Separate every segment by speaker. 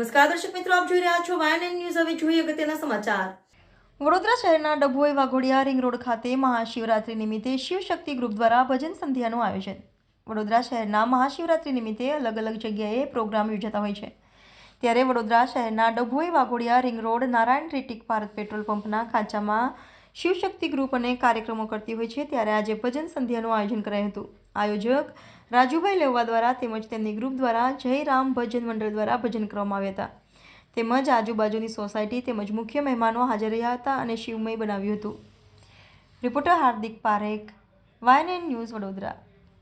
Speaker 1: નમસ્કાર દર્શક મિત્રો, આપ જોઈ રહ્યા છો વાયએનએન ન્યૂઝ. હવે જોઈએ અગત્યના સમાચાર. વડોદરા શહેરના ડભોઈ વાઘોડિયા રિંગ રોડ ખાતે મહાશિવરાત્રી નિમિત્તે શિવશક્તિ ગ્રુપ દ્વારા ભજન સંધ્યાનું આયોજન. વડોદરા શહેરના મહાશિવરાત્રી નિમિત્તે અલગ અલગ જગ્યાએ પ્રોગ્રામ યોજાતા હોય છે. ત્યારે વડોદરા શહેરના ડભોઈ વાઘોડિયા રિંગ રોડ નારાયણ રેટિક ભારત પેટ્રોલ પંપના ખાંચામાં શિવશક્તિ ગ્રુપ અને કાર્યક્રમો કરતી હોય છે. ત્યારે આજે ભજન સંધ્યાનું આયોજન કરાયું હતું. આયોજક રાજુભાઈ લેવા દ્વારા તેમજ તેમની ગ્રુપ દ્વારા જય રામ ભજન મંડળ દ્વારા ભજન કરવામાં આવ્યા હતા. તેમજ આજુબાજુની સોસાયટી તેમજ મુખ્ય મહેમાનો હાજર રહ્યા હતા અને શિવમય બનાવ્યું હતું. Reporter Hardik Parekh, YNN news, Vadodara.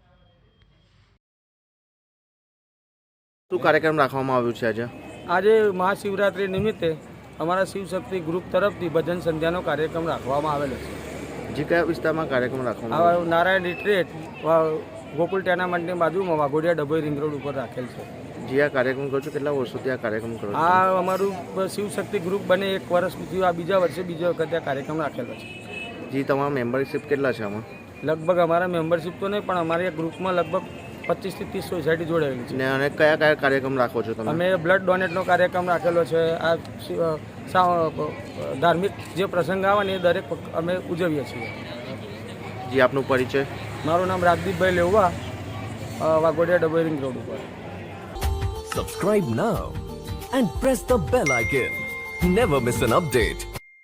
Speaker 2: શું કાર્યક્રમ રાખવામાં આવ્યું છે આજે?
Speaker 3: આજે મહાશિવરાત્રિ નિમિત્તે અમારા શિવશક્તિ ગ્રુપ તરફથી ભજન સંધ્યાનો કાર્યક્રમ રાખવામાં આવેલો છે.
Speaker 2: જે કયા વિસ્તારમાં કાર્યક્રમ રાખવામાં આવ્યો?
Speaker 3: નારાયણ રિટ્રીટ ગોકુલ ટેનામેન્ટની બાજુમાં વાઘોડિયા ડભોઈ રિંગ રોડ ઉપર રાખેલ છે.
Speaker 2: જે આ કાર્યક્રમ કરો છો, કેટલા વર્ષોથી આ કાર્યક્રમ કરો છો?
Speaker 3: આ અમારું શિવશક્તિ ગ્રુપ બને 1 વર્ષ થયું. આ બીજા વર્ષે બીજી વખતે આ કાર્યક્રમ રાખેલો છે.
Speaker 2: જે તમારા મેમ્બરશિપ કેટલા છે આમાં?
Speaker 3: લગભગ અમારા મેમ્બરશિપ તો નહીં, પણ અમારી ગ્રુપમાં લગભગ 25 થી 30 સોસાયટી જોડાયેલી છે.
Speaker 2: અને કયા કયા કાર્યક્રમ રાખો છો તમે?
Speaker 3: અમે બ્લડ ડોનેટનો કાર્યક્રમ રાખેલો છે. આ ધાર્મિક જે પ્રસંગ આવે ને એ દરેક અમે ઉજવીએ છીએ.
Speaker 2: જે આપનો પરિચય?
Speaker 3: મારું નામ રાજદીપભાઈ લેવા, વાઘોડિયા ડભોઈ રિંગ રોડ ઉપર.
Speaker 4: Subscribe now and press the bell icon. Never miss an update.